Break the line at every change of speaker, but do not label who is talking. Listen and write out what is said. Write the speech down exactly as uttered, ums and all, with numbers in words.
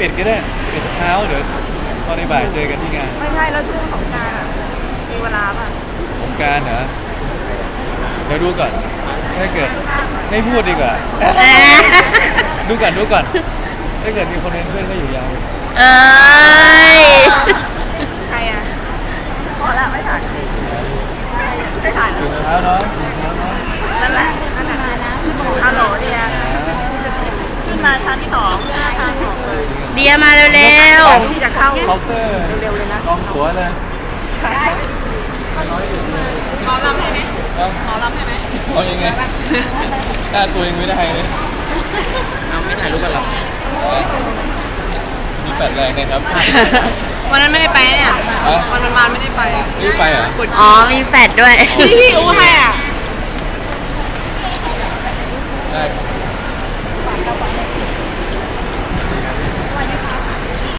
ปิดก็ได้ปิดเช้าเดี๋ยวตอนในบ่ายเจอกันที่งาน
ไม่ใช่แล้วช่วงสงกรานต์อ่ะมีเวลาป่ะ
สงกรานต์เหรอเดี๋ยวดูก่อนถ้าเกิดไม่พูดดีกว่าดูก่อนดูก่อนถ้าเกิดมีคนเป็นเพื่อนก็อยู่ยาว
เอ้ย
ใครอ่ะพอละไม่ถ่ายไม่ถ่าย
ถึงแล้วเนาะ
นั่นแหละนั่นแหละฮัลโหลเนี่ยขึ้นมาชั้นที่สองทางออกเลย
เดียมาเร็ว
ที่จะเข้า
เคาน์เตอร์
เร็วๆเลยนะ
ลองตั๋วเลย
หมอลำให้ไหมหมอลำให้ไหม
เอายังไงหน้าตัวยังไม่ได้เลยเอาไม่ถ่ายรูปกันหรอมีแปดแรงนะครับ
วันนั้นไม่ได้ไปเนี่ยวันวันมาไม่ได้ไป
ไม่ได้ไปเหรอ
อ๋อมีแฟดด้วย
พี่พี่อู้ให้อ่ะ
ได้